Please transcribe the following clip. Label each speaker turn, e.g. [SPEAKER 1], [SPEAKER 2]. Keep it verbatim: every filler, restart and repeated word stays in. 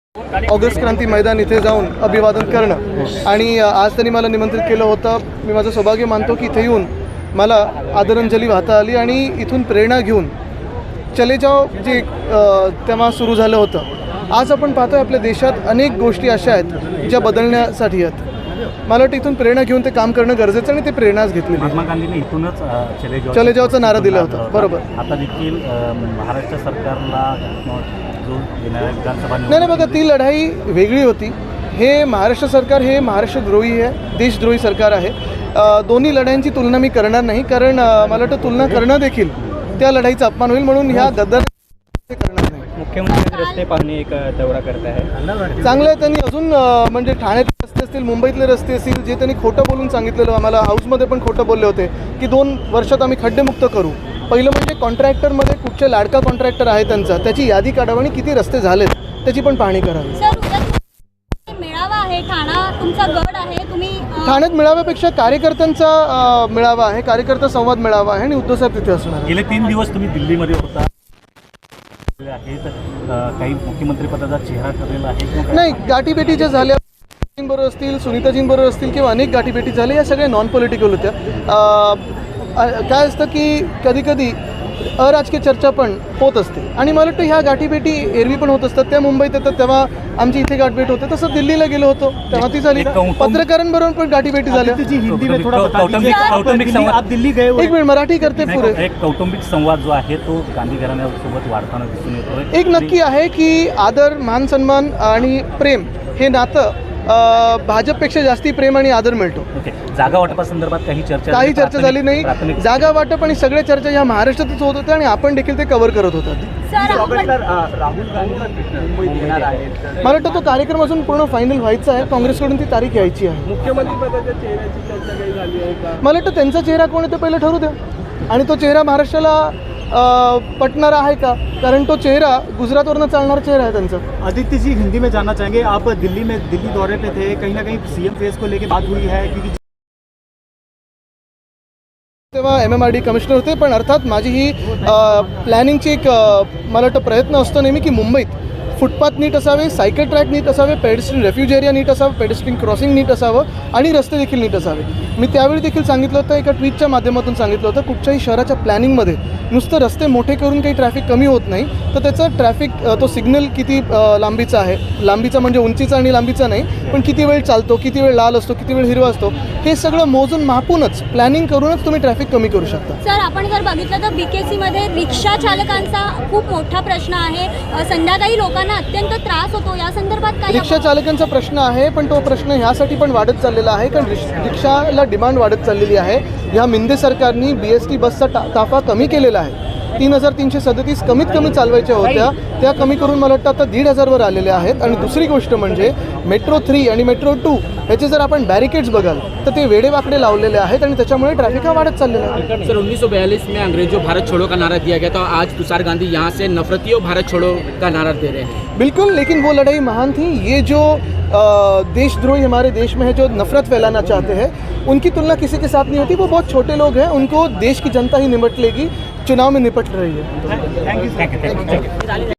[SPEAKER 1] August क्रांती मैदान इथे जाऊन अभिवादन करणं आणि आज त्यांनी मला निमंत्रित केलं होतं. मी माझं सौभाग्य मानतो की इथे येऊन मला आदरांजली वाहता आली आणि इथून प्रेरणा घेऊन चले जाओ जे तेव्हा सुरू झालं होतं. आज आपण पाहतोय आपल्या देशात अनेक गोष्टी अशा आहेत ज्या बदलण्यासाठी आहेत. मला वाटतं इथून प्रेरणा घेऊन ते काम करणं गरजेचं आणि ते प्रेरणाच घेतली.
[SPEAKER 2] महात्मा गांधींनी इथूनच चले जाओ
[SPEAKER 1] चले जाओचा नारा दिला होता. बरोबर.
[SPEAKER 2] आता देखील महाराष्ट्र सरकारला जो येणाऱ्या विधानसभा
[SPEAKER 1] नाही नाही बघा, ती लढाई वेगळी होती. हे महाराष्ट्र सरकार हे महाराष्ट्रद्रोही आहे, देशद्रोही सरकार आहे. दोन्ही लढाईंची तुलना मी करणार नाही, कारण मला वाटतं तुलना करणं देखील त्या लढाईचा अपमान होईल. म्हणून ह्या गद्दार करणार नाही.
[SPEAKER 3] मुख्यमंत्री रस्ते पाहणे एक दौरा करत आहे.
[SPEAKER 1] चांगलं आहे. त्यांनी अजून म्हणजे ठाण्यातले रस्ते असतील, मुंबईतले रस्ते असतील, जे त्यांनी खोटं बोलून सांगितलेलं आम्हाला हाऊसमध्ये पण खोटं बोलले होते की दोन वर्षात आम्ही खड्डेमुक्त करू. पहिलं म्हणजे कॉन्ट्रॅक्टरमध्ये कुठचे लाडका कॉन्ट्रॅक्टर आहे त्यांचा त्याची यादी काढावी आणि किती रस्ते झालेत त्याची पण पाहणी करावी.
[SPEAKER 4] मेळावा आहे, ठाणा तुमचा गड आहे, तुम्ही
[SPEAKER 1] ठाण्यात मेळाव्यापेक्षा कार्यकर्त्यांचा मेळावा आहे, कार्यकर्ता संवाद मेळावा आहे आणि उद्धव साहेब तिथे असणार.
[SPEAKER 2] गेले तीन दिवस तुम्ही दिल्लीमध्ये होता, काही मुख्यमंत्री पदाचा चेहरा ठरलेला आहे?
[SPEAKER 1] नाही, गाठीभेटी ज्या झाल्या बरोबर असतील, सुनीताजींबरोबर असतील किंवा अनेक गाठीभेटी झाल्या, या सगळ्या नॉन पॉलिटिकल होत्या. काय असतं की कधी कधी अराजकीय चर्चा पण होत असते आणि मला वाटतं ह्या गाठीभेटी एरवी पण होत असतात. त्या मुंबईत येतात तेव्हा आमची इथे गाठभेट होते, तसं दिल्लीला गेलो होतो तेव्हा ती झाली. पत्रकारांबरोबर पण गाठीभेटी झाल्या. एक मिनिट मराठी करते पुरे.
[SPEAKER 2] एक कौटुंबिक संवाद जो आहे तो गांधी घराण्यासोबत वाढताना दिसून येतो.
[SPEAKER 1] एक नक्की आहे की आदर, मान सन्मान आणि प्रेम हे नातं भाजपपेक्षा जास्ती प्रेम आणि आदर मिळतो.
[SPEAKER 2] ओके. जागा वाटपासंदर्भात काही चर्चा
[SPEAKER 1] काही चर्चा झाली नाही. जागा वाटप आणि सगळ्या चर्चा ह्या महाराष्ट्रातच होत होत्या आणि आपण देखील ते कव्हर करत होतात. मला वाटतं तो कार्यक्रम अजून पूर्ण फायनल व्हायचा आहे. काँग्रेसकडून ती तारीख यायची आहे.
[SPEAKER 3] मुख्यमंत्री पदाच्या चेहऱ्याची चर्चा काही झाली आहे का?
[SPEAKER 1] मला वाटतं त्यांचा चेहरा कोण आहे ते पहिलं ठरू द्या आणि तो चेहरा महाराष्ट्राला पटणारा आहे का, कारण तो चेहरा गुजरातवरनं चालणारा चेहरा आहे त्यांचा.
[SPEAKER 3] आदित्य जी, हिंदी में जानना चाहेंगे, आप दिल्ली में दिल्ली दौरे पे थे, कहीं ना कहीं सीएम फेस को लेके बात हुई है क्योंकि
[SPEAKER 1] तेव्हा M M R D commissioner होते. पण अर्थात माझी ही प्लॅनिंगची एक मला वाटतं प्रयत्न असतो नेहमी की मुंबईत फुटपाथ नीट असावे, सायकल ट्रॅक नीट असावे, पेडेस्ट्रियन रेफ्यूज एरिया नीट असावं, पेडेस्ट्रियन क्रॉसिंग नीट असावं आणि रस्ते देखील नीट असावे. मी त्यावेळी देखील सांगितलं होतं, एका ट्विटच्या माध्यमातून सांगितलं होतं, कुठच्याही शहराच्या प्लॅनिंगमध्ये नुसतं रस्ते मोठे करून काही ट्रॅफिक कमी होत नाही, तर त्याचं ट्रॅफिक तो सिग्नल किती लांबीचा आहे, लांबीचा म्हणजे उंचीचा आणि लांबीचा नाही, पण किती वेळ चालतो, किती वेळ लाल असतो, किती वेळ हिरवा असतो, हे सगळं मोजून मापूनच प्लॅनिंग करूनच तुम्ही ट्रॅफिक कमी करू शकता.
[SPEAKER 4] सर, आपण जर बघितलं तर बीकेसीमध्ये रिक्षा चालकांचा खूप मोठा प्रश्न आहे. संध्याकाळी लोकांना अत्यंत त्रास होतो. या संदर्भात काय?
[SPEAKER 1] रिक्षा चालकांचा प्रश्न आहे, पण तो प्रश्न ह्यासाठी पण वाढत चाललेला आहे कारण रिक्षाला डिमांड वाढत चाललेली आहे. ह्या मिंदे सरकारनी बी एस टी बसचा टा ताफा कमी केलेला आहे. तीन हजार तीनशे सदतीस कमीत कमी चालवायच्या होत्या, त्या कमी करून मला वाटतं आता दीड हजारवर आलेल्या आहेत. आणि दुसरी गोष्ट म्हणजे मेट्रो थ्री आणि मेट्रो टू ह्याचे जर आपण बॅरिकेड्स बघाल तर ते वेडेवाकडे लावलेले आहेत आणि त्याच्यामुळे ट्रॅफिक हा वाढत चाललेला आहे.
[SPEAKER 5] सर, उन्नीस सौ बयालीस में अंग्रेजों भारत छोड़ो का नारा दिया गया था, आज तुषार गांधी यहाँ से नफरतियों भारत छोड़ो का नारा दे रहे हैं.
[SPEAKER 1] बिल्कुल, लेकिन वो लड़ाई महान थी. ये जो देशद्रोही हमारे देश में है, जो नफरत फैलाना चाहते हैं, उनकी तुलना किसी के साथ नहीं होती. वो बहुत छोटे लोग हैं, उनको देश की जनता ही निपट लेगी, चुनाव में निपट रही है.
[SPEAKER 2] Thank you.